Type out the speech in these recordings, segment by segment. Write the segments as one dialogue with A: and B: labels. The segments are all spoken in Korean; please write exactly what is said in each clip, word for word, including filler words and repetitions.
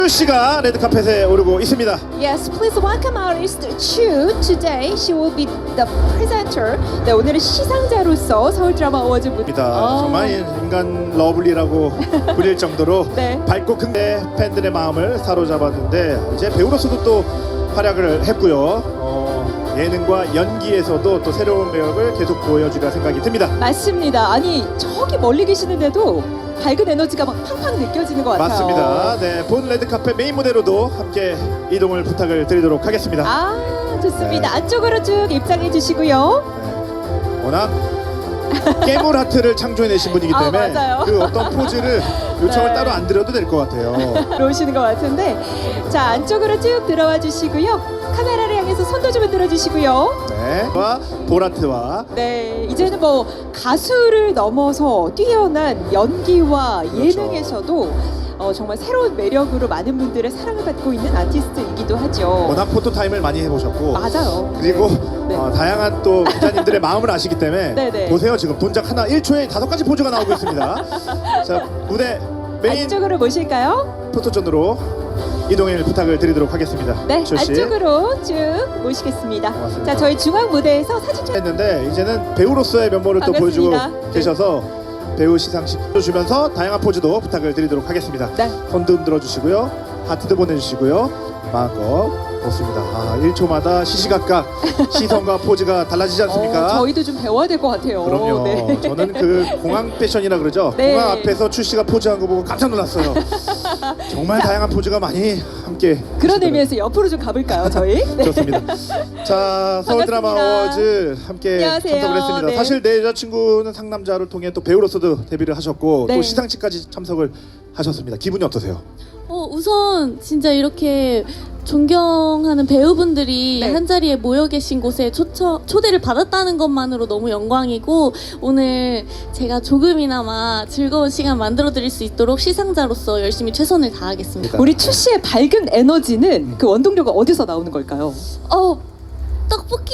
A: 추 씨가 레드카펫에 오르고 있습니다.
B: Yes, please welcome artist Chu. Today she will be the presenter. 네, 오늘은 시상자로서 서울 드라마 어워즈 무대.
A: 입니다. 정말 인간 러블리라고 불릴 정도로
B: 네.
A: 밝고 근데 팬들의 마음을 사로잡았는데 이제 배우로서도 또 활약을 했고요. 어, 예능과 연기에서도 또 새로운 매력을 계속 보여주리라 생각이 듭니다.
B: 맞습니다. 아니 저기 멀리 계시는데도 밝은 에너지가 막 팡팡 느껴지는 것 같아요.
A: 맞습니다. 네, 본 레드카펫 메인 무대로도 함께 이동을 부탁을 드리도록 하겠습니다.
B: 아 좋습니다.
A: 네.
B: 안쪽으로 쭉 입장해 주시고요.
A: 네, 워낙 깨물 하트를 창조해내신 분이기
B: 아,
A: 때문에
B: 맞아요.
A: 그 어떤 포즈를 요청을
B: 네.
A: 따로 안 드려도 될 것 같아요.
B: 들어오시는 것 같은데 자 안쪽으로 쭉 들어와 주시고요. 카메라를 향해서 손도 좀 흔들어 주시고요.
A: 네, 와 보라트와
B: 네, 이제는 뭐 가수를 넘어서 뛰어난 연기와
A: 그렇죠.
B: 예능에서도 어, 정말 새로운 매력으로 많은 분들의 사랑을 받고 있는 아티스트이기도 하죠.
A: 워낙 포토타임을 많이 해보셨고
B: 맞아요.
A: 그리고
B: 네.
A: 어, 다양한 또 기자님들의 마음을 아시기 때문에
B: 네네.
A: 보세요. 지금 동작 하나 일 초에 다섯 가지 포즈가 나오고 있습니다. 자, 무대 메인
B: 안쪽으로 모실까요?
A: 포토존으로 이동을 부탁을 드리도록 하겠습니다.
B: 네,
A: 조 씨.
B: 안쪽으로 쭉 모시겠습니다.
A: 고맙습니다.
B: 자, 저희 중앙 무대에서 사진 좀
A: 했는데 이제는 배우로서의 면모를 또
B: 반갑습니다.
A: 보여주고
B: 네.
A: 계셔서 배우 시상식도 주면서 다양한 포즈도 부탁을 드리도록 하겠습니다.
B: 네.
A: 손도 흔들어 주시고요. 하트도 보내주시고요. 마음껏 좋습니다. 아, 일 초마다 시시각각 시선과 포즈가 달라지지 않습니까?
B: 어, 저희도 좀 배워야 될 것 같아요.
A: 그럼요.
B: 네.
A: 저는 그 공항 패션이라 그러죠.
B: 네.
A: 공항 앞에서 출시가 포즈한 거 보고 깜짝 놀랐어요. 정말 다양한 포즈가 많이 함께
B: 그런
A: 하시더라고요.
B: 의미에서 옆으로 좀 가볼까요, 저희? 네.
A: 좋습니다. 자, 서울 드라마
B: 반갑습니다.
A: 어워즈 함께
B: 안녕하세요.
A: 참석을 했습니다.
B: 네.
A: 사실 내 여자친구는 상남자를 통해 또 배우로서도 데뷔를 하셨고
B: 네.
A: 또 시상식까지 참석을 하셨습니다. 기분이 어떠세요?
C: 어, 우선 진짜 이렇게 존경하는 배우분들이
B: 네.
C: 한자리에 모여 계신 곳에 초처, 초대를 받았다는 것만으로 너무 영광이고 오늘 제가 조금이나마 즐거운 시간 만들어 드릴 수 있도록 시상자로서 열심히 최선을 다하겠습니다.
B: 우리 추 씨의 밝은 에너지는 그 원동력은 어디서 나오는 걸까요?
C: 어, 떡볶이?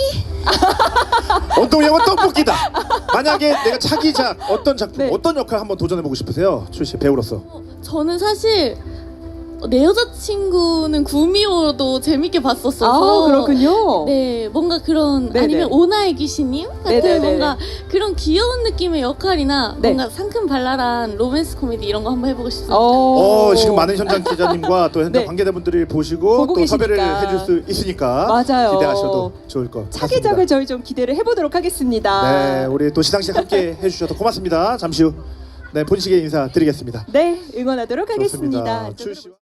A: 원동력은 떡볶이다. 만약에 내가 차기작 어떤 작품,
B: 네.
A: 어떤 역할 한번 도전해보고 싶으세요? 출시 배우로서.
C: 어, 저는 사실 내 여자친구는 구미호도 재밌게 봤었어서
B: 아, 그렇군요.
C: 네, 뭔가 그런
B: 네네.
C: 아니면 오나의 귀신님 같은
B: 네네네.
C: 뭔가 그런 귀여운 느낌의 역할이나
B: 네.
C: 뭔가 상큼발랄한 로맨스 코미디 이런 거 한번 해보고 싶습니다.
A: 어, 지금 많은 현장 기자님과 또 현장
B: 네.
A: 관계자분들이 보시고
B: 보고
A: 또 섭외를
B: 계시니까.
A: 해줄 수 있으니까
B: 맞아요.
A: 기대하셔도 좋을 것 같습니다.
B: 차기작을 저희 좀 기대를 해보도록 하겠습니다.
A: 네, 우리 또 시상식 함께 해주셔서 고맙습니다. 잠시 후 네, 본식에 인사드리겠습니다.
B: 네, 응원하도록
A: 좋습니다.
B: 하겠습니다.
A: 출시...